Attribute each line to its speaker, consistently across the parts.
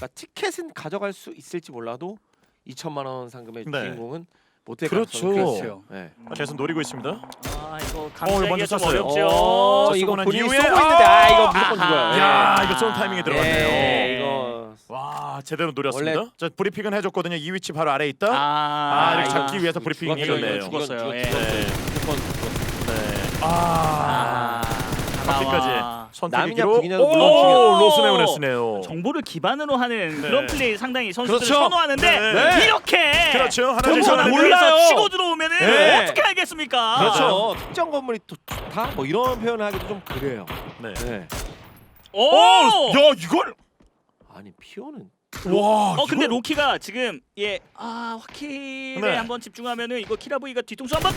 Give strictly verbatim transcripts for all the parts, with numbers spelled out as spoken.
Speaker 1: 그러니까 티켓은 가져갈 수 있을지 몰라도 이천만 원 상금의
Speaker 2: 네.
Speaker 1: 주인공은 못될
Speaker 2: 그렇죠.
Speaker 1: 가능성이 크죠.
Speaker 3: 그렇죠.
Speaker 1: 네.
Speaker 2: 계속 노리고 있습니다.
Speaker 3: 아 이거
Speaker 2: 어, 이거
Speaker 3: 감싸기가
Speaker 2: 먼저
Speaker 3: 좀
Speaker 2: 쐈어요.
Speaker 3: 어렵죠.
Speaker 1: 어,
Speaker 2: 자,
Speaker 1: 이거
Speaker 2: 쏘고 난
Speaker 1: 본인이
Speaker 2: 이후에
Speaker 1: 쏘고 있는데 아 이거 무조건
Speaker 3: 아하.
Speaker 1: 죽어요.
Speaker 2: 야,
Speaker 1: 예.
Speaker 2: 이거 쏘는 타이밍에 들어갔네요.
Speaker 1: 예, 이거
Speaker 2: 와, 제대로 노렸습니다.
Speaker 1: 원래-
Speaker 2: 자, 브리핑은 해줬거든요. 이 위치 바로 아래에 있다.
Speaker 3: 아,
Speaker 2: 아, 이렇게
Speaker 1: 이거
Speaker 2: 잡기 위해서 브리핑
Speaker 1: 죽었죠,
Speaker 2: 해줬네요.
Speaker 1: 이거
Speaker 3: 죽었어요.
Speaker 1: 죽었-
Speaker 3: 예.
Speaker 2: 네.
Speaker 1: 죽었- 죽었-
Speaker 2: 네. 아,
Speaker 3: 아,
Speaker 2: 바퀴까지
Speaker 3: 하나와
Speaker 2: 선택기로
Speaker 1: 남이냐 북이냐도 물론
Speaker 2: 오,
Speaker 3: 중요해요.
Speaker 2: 로스네오네스네요.
Speaker 3: 정보를 기반으로 하는
Speaker 2: 네.
Speaker 3: 그런 플레이 상당히 선수들을
Speaker 1: 그렇죠.
Speaker 3: 선호하는데
Speaker 2: 네.
Speaker 3: 이렇게
Speaker 2: 그렇죠. 하나
Speaker 3: 정보가
Speaker 2: 둘, 셋,
Speaker 3: 몰라서
Speaker 1: 몰라요.
Speaker 3: 치고 들어오면은
Speaker 1: 네.
Speaker 3: 어떻게 알겠습니까?
Speaker 1: 그렇죠. 특정 건물이 또 좋다 뭐 이런 표현을 하기도 좀 그래요.
Speaker 2: 네.
Speaker 1: 네.
Speaker 3: 오!
Speaker 2: 오, 야, 이걸
Speaker 1: 아니 피오는
Speaker 2: 와,
Speaker 3: 어 근데
Speaker 2: 이걸-
Speaker 3: 로키가 지금 예 아 화킬에
Speaker 2: 네.
Speaker 3: 한번 집중하면은 이거 키라브이가 뒤통수 한번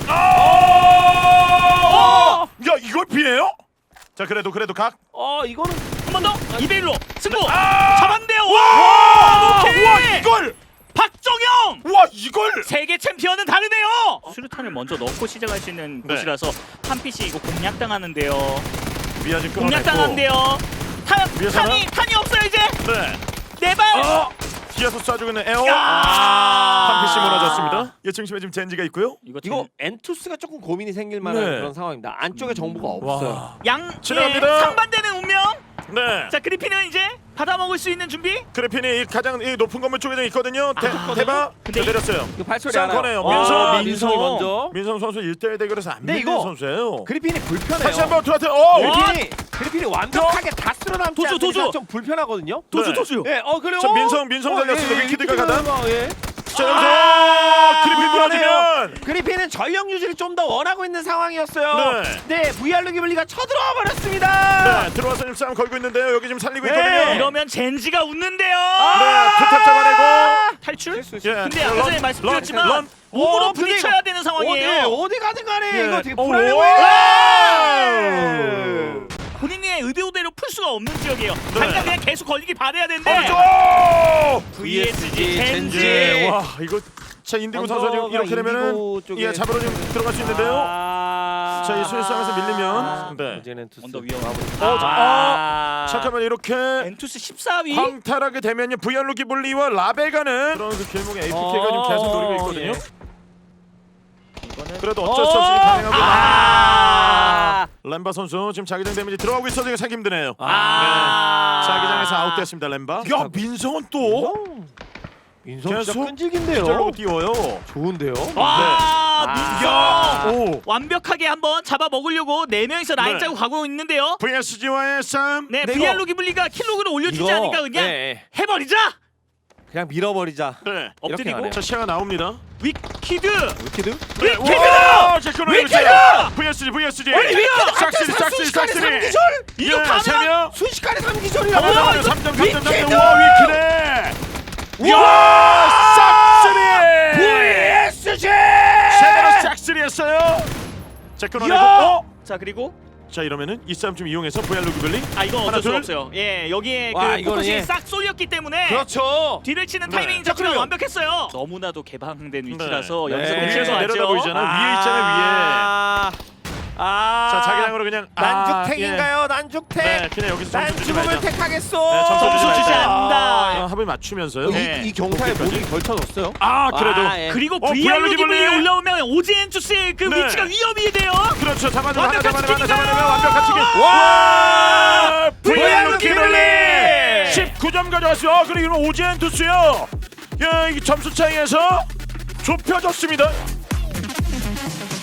Speaker 2: 아! 야, 이걸 피해요? 자, 그래도 그래도 각.
Speaker 1: 어 이거는
Speaker 3: 한 번 더 이 대 일로 승부
Speaker 2: 아!
Speaker 3: 잡았는데요.
Speaker 2: 와!
Speaker 3: 로키!
Speaker 2: 와, 이걸!
Speaker 3: 박정영
Speaker 2: 와, 이걸!
Speaker 3: 세계 챔피언은 다르네요. 수류탄을 먼저 넣고 시작할 수 있는
Speaker 2: 네.
Speaker 3: 곳이라서 한 핏이 이거 공략당하는데요.
Speaker 2: 미아 지금
Speaker 3: 공략당한데요. 탄
Speaker 2: 위에서는?
Speaker 3: 탄이 탄이 없어요 이제
Speaker 2: 네.
Speaker 3: 네발.
Speaker 2: 어! 뒤에서 쏴주고 있는 에어.
Speaker 3: 아!
Speaker 2: 한 피씨 무너졌습니다. 예, 중심에 지금 젠지가 있고요.
Speaker 3: 이거
Speaker 1: 이거 엔투스가 조금 고민이 생길 만한
Speaker 2: 네.
Speaker 1: 그런 상황입니다. 안쪽에 정보가 없어요.
Speaker 2: 와.
Speaker 3: 양
Speaker 2: 지나갑니다.
Speaker 3: 예, 상반되는 운명.
Speaker 2: 네.
Speaker 3: 자 그리핀은 이제 받아 먹을 수 있는 준비.
Speaker 2: 그래핀이 이 가장 이 높은 건물 쪽에 있거든요. 대,
Speaker 3: 아,
Speaker 2: 대박.
Speaker 3: 근데
Speaker 2: 네, 내렸어요.
Speaker 1: 이거 발소리
Speaker 2: 쌍커네요.
Speaker 1: 알아요.
Speaker 2: 민성.
Speaker 1: 아,
Speaker 3: 민성.
Speaker 1: 민성이 먼저.
Speaker 2: 민성 선수 일 대 일 대결에서 안
Speaker 1: 네,
Speaker 2: 밀리는
Speaker 1: 이거
Speaker 2: 선수예요.
Speaker 1: 그리핀이 불편해요.
Speaker 2: 다시 한번 들어왔어요. 오!
Speaker 1: 그리핀이 그리핀이 완벽하게 다 쓸어남지
Speaker 3: 도주,
Speaker 1: 않는 이상
Speaker 3: 도주.
Speaker 1: 좀 불편하거든요.
Speaker 3: 도주
Speaker 2: 네.
Speaker 3: 도주.
Speaker 1: 예, 어 그래요.
Speaker 2: 저 민성, 민성
Speaker 1: 어,
Speaker 2: 달렸습니다.
Speaker 1: 예, 예,
Speaker 2: 위키드가
Speaker 1: 위키드가
Speaker 2: 가다.
Speaker 1: 예.
Speaker 2: 자, 여기서
Speaker 1: 아,
Speaker 2: 그리핀
Speaker 1: 불편해요.
Speaker 2: 무너지면
Speaker 1: 그리핀은 전력 유지를 좀 더 원하고 있는 상황이었어요.
Speaker 2: 네.
Speaker 1: 네, 브이알로 기블리가 쳐들어와 버렸습니다.
Speaker 2: 네, 들어와서 지금 싸움 걸고 있는데요. 여기 지금 살리고
Speaker 1: 네.
Speaker 2: 있거든요.
Speaker 3: 이러면 젠지가 웃는데요.
Speaker 2: 네, 투탑 잡아내고.
Speaker 3: 탈출?
Speaker 1: 수
Speaker 2: 예.
Speaker 3: 근데 아까 전에
Speaker 2: 런,
Speaker 3: 말씀드렸지만
Speaker 2: 런,
Speaker 3: 몸으로
Speaker 1: 어, 근데
Speaker 3: 부딪혀야 되는
Speaker 1: 어디
Speaker 3: 상황이에요.
Speaker 1: 어디 가든 간에
Speaker 2: 예.
Speaker 1: 이거 되게
Speaker 2: 오,
Speaker 1: 불안해
Speaker 2: 오,
Speaker 1: 보여요.
Speaker 3: 본인의 의도대로 풀 수가 없는 지역이에요.
Speaker 2: 네.
Speaker 3: 당장 그냥 계속 걸리기 바래야 되는데.
Speaker 2: 오른쪽!
Speaker 3: 브이에스지 젠지.
Speaker 2: 예, 와, 이거 자 인디고 선수가 지금 이렇게 되면은
Speaker 1: 인디고 쪽에-
Speaker 2: 예, 잡으러 좀 들어갈 수 있는데요.
Speaker 1: 아...
Speaker 2: 자, 이 수비상에서 밀리면 네.
Speaker 1: 이제는 투스.
Speaker 3: 언더 위험하고.
Speaker 2: 어,
Speaker 1: 아...
Speaker 2: 잠깐만 이렇게
Speaker 3: 엔투스 십사 위.
Speaker 2: 광탈하게 되면요 브이알로 기블리와 라베가는 그런 그 길목의 에이피케이가
Speaker 1: 어,
Speaker 2: 지금 계속 노리고 있거든요.
Speaker 1: 예.
Speaker 3: 이거는
Speaker 2: 그래도 어쩔 수 없이 반응하고
Speaker 1: 아...
Speaker 2: 렘바 선수 지금 자기장 데미지 들어가고 있어서 지금 생기 힘드네요.
Speaker 1: 아...
Speaker 2: 네. 자기장에서 아웃됐습니다 렘바. 야 민성은 또
Speaker 1: 민성 진짜
Speaker 2: 계속
Speaker 1: 끈질긴데요.
Speaker 2: 기절로 띄워요.
Speaker 1: 좋은데요.
Speaker 3: 와
Speaker 1: 아.
Speaker 3: 민성
Speaker 2: 오
Speaker 3: 완벽하게 한번 잡아 먹으려고 네 명이서 라인
Speaker 2: 네.
Speaker 3: 짜고 가고 있는데요.
Speaker 2: 브이에스지와의 싸움.
Speaker 3: 네,
Speaker 1: 네,
Speaker 3: 브이알로
Speaker 1: 이거-
Speaker 3: 기블리가 킬로그를 올려주지
Speaker 1: 이거-
Speaker 3: 않으니까 그냥
Speaker 1: 네, 네.
Speaker 3: 해버리자.
Speaker 1: 그냥 밀어버리자.
Speaker 2: 네.
Speaker 3: 엎드리고
Speaker 1: 가네요.
Speaker 2: 자 시야가 나옵니다.
Speaker 3: 위키드.
Speaker 1: 위키드?
Speaker 2: 네.
Speaker 3: 위키드!
Speaker 2: 자 끊어
Speaker 3: 위키드!
Speaker 2: 브이에스지 브이에스지.
Speaker 1: 위키드!
Speaker 2: 싹쓸이
Speaker 1: 한테
Speaker 2: 싹쓸이
Speaker 1: 순식간에
Speaker 2: 싹쓸이.
Speaker 1: 삼기절!
Speaker 3: 이거
Speaker 2: 예,
Speaker 3: 가면
Speaker 2: 세 명.
Speaker 1: 순식간에
Speaker 2: 와,
Speaker 1: 삼기절이라고.
Speaker 2: 이거
Speaker 1: 이거
Speaker 2: 삼 점 삼 점 삼 점
Speaker 1: 위키드!
Speaker 2: 와 위키네. 와 싹쓸이.
Speaker 1: 브이에스지!
Speaker 2: 제대로 싹쓸이 했어요. 자 끊어내고.
Speaker 1: 야!
Speaker 2: 어?
Speaker 3: 자 그리고
Speaker 2: 자 이러면은 이 싸움 좀 이용해서 브이알로 기블리.
Speaker 3: 아 이건
Speaker 2: 하나,
Speaker 3: 어쩔 수
Speaker 2: 둘.
Speaker 3: 없어요. 예 여기에
Speaker 1: 와,
Speaker 3: 그
Speaker 1: 이거는
Speaker 3: 포커싱이
Speaker 1: 예.
Speaker 3: 싹 쏠렸기 때문에
Speaker 1: 그렇죠.
Speaker 3: 뒤를 치는
Speaker 2: 네.
Speaker 3: 타이밍
Speaker 2: 자,
Speaker 3: 자체가
Speaker 2: 그러면-
Speaker 3: 완벽했어요. 너무나도 개방된 위치라서
Speaker 1: 네.
Speaker 3: 여기서
Speaker 1: 네.
Speaker 3: 놓칠 수
Speaker 2: 위에서 내려다 보이잖아. 위에 있잖아요,
Speaker 1: 아... 아...
Speaker 2: 자 자기장으로 그냥 아,
Speaker 1: 난죽택인가요?
Speaker 2: 예.
Speaker 1: 난죽택?
Speaker 2: 네 그냥 여기서 점수 주지
Speaker 1: 난죽음을
Speaker 2: 말자.
Speaker 1: 택하겠어.
Speaker 2: 네, 점수
Speaker 3: 점수 주지
Speaker 2: 말자.
Speaker 3: 않는다.
Speaker 2: 아, 합을 맞추면서요.
Speaker 3: 네.
Speaker 1: 이, 이 경사에
Speaker 2: 오케이까지.
Speaker 1: 몸이 걸쳐졌어요.
Speaker 2: 아 그래도
Speaker 1: 아, 예.
Speaker 3: 그리고
Speaker 2: 어,
Speaker 3: 브이알로
Speaker 2: 브이알로
Speaker 3: 기블리
Speaker 2: 기블리.
Speaker 3: 올라오면 오지엔투스의 그
Speaker 2: 네.
Speaker 3: 위치가 위험이 돼요.
Speaker 2: 그렇죠. 잡아내면 하나
Speaker 3: 완벽한
Speaker 2: 잡아내면 하나 잡아내면
Speaker 3: 치킨인가요?
Speaker 2: 완벽한 치킨.
Speaker 1: 와!
Speaker 2: 브이알로
Speaker 1: 기블리!
Speaker 2: 십구 점 가져왔어요. 어, 그리고 이건 오지엔투스요. 야, 이 점수 차이에서 좁혀졌습니다.